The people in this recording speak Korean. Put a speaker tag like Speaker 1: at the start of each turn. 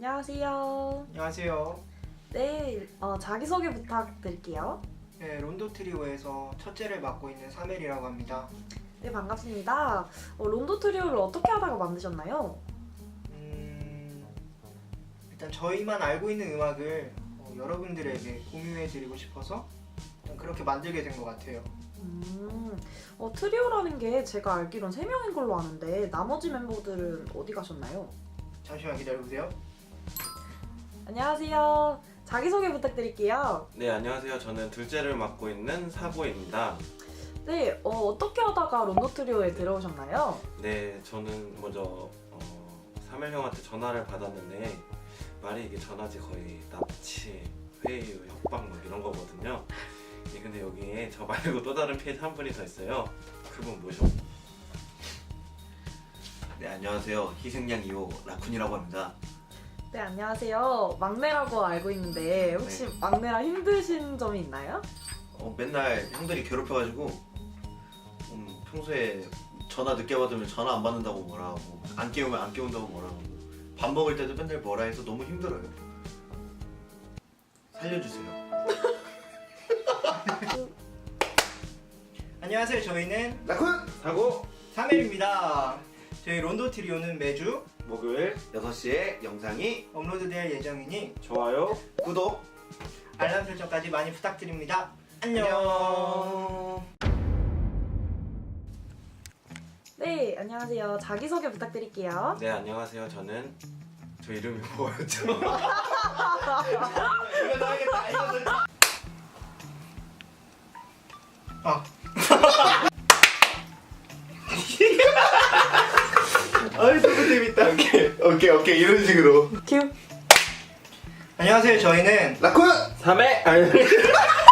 Speaker 1: 안녕하세요.
Speaker 2: 안녕하세요.
Speaker 1: 네, 자기소개 부탁드릴게요.
Speaker 2: 네, 론도 트리오에서 첫째를 맡고 있는 사멜이라고 합니다.
Speaker 1: 네, 반갑습니다. 론도 트리오를 어떻게 하다가 만드셨나요?
Speaker 2: 일단 저희만 알고 있는 음악을 여러분들에게 공유해드리고 싶어서 일단 그렇게 만들게 된 것 같아요.
Speaker 1: 트리오라는 게 제가 알기론 3명인 걸로 아는데 나머지 멤버들은 어디 가셨나요?
Speaker 2: 잠시만 기다려보세요.
Speaker 1: 안녕하세요. 자기소개 부탁드릴게요.
Speaker 3: 네, 안녕하세요. 저는 둘째를 맡고 있는 사고입니다.
Speaker 1: 네, 어떻게 하다가 론도 트리오에 들어오셨나요?
Speaker 3: 네, 저는 먼저 사멜 형한테 전화를 받았는데 말이 이게 전화지 거의 납치, 회유, 협박 막 이런 거거든요. 네, 근데 여기에 저 말고 또 다른 피해자 한 분이 더 있어요. 그분 모셔.
Speaker 4: 네, 안녕하세요. 희생양 2호 라쿤이라고 합니다.
Speaker 1: 네, 안녕하세요. 막내라고 알고 있는데 혹시 막내라 힘드신 점이 있나요?
Speaker 4: 맨날 형들이 괴롭혀가지고 평소에 전화 늦게 받으면 전화 안 받는다고 뭐라 하고 안 깨우면 안 깨운다고 뭐라 하고 밥 먹을 때도 맨날 뭐라 해서 너무 힘들어요. 살려주세요.
Speaker 2: 안녕하세요. 저희는
Speaker 4: 라쿤!
Speaker 3: 사고!
Speaker 2: 사멜입니다. 저희 론도 트리오는 매주
Speaker 3: 목요일
Speaker 4: 6시에 영상이
Speaker 2: 업로드될 예정이니
Speaker 3: 좋아요.
Speaker 4: 구독!
Speaker 2: 알람 설정까지 많이 부탁드립니다. 안녕.
Speaker 1: 네, 안녕하세요. 자기소개 부탁드릴게요.
Speaker 3: 네, 안녕하세요. 저는 저 이름이 뭐였죠?
Speaker 4: 이거 나야겠다. 이거 아이 너무 재밌다. 오케이 이런 식으로.
Speaker 1: 큐.
Speaker 2: 안녕하세요. 저희는
Speaker 4: 라쿤!
Speaker 3: 3회! 아니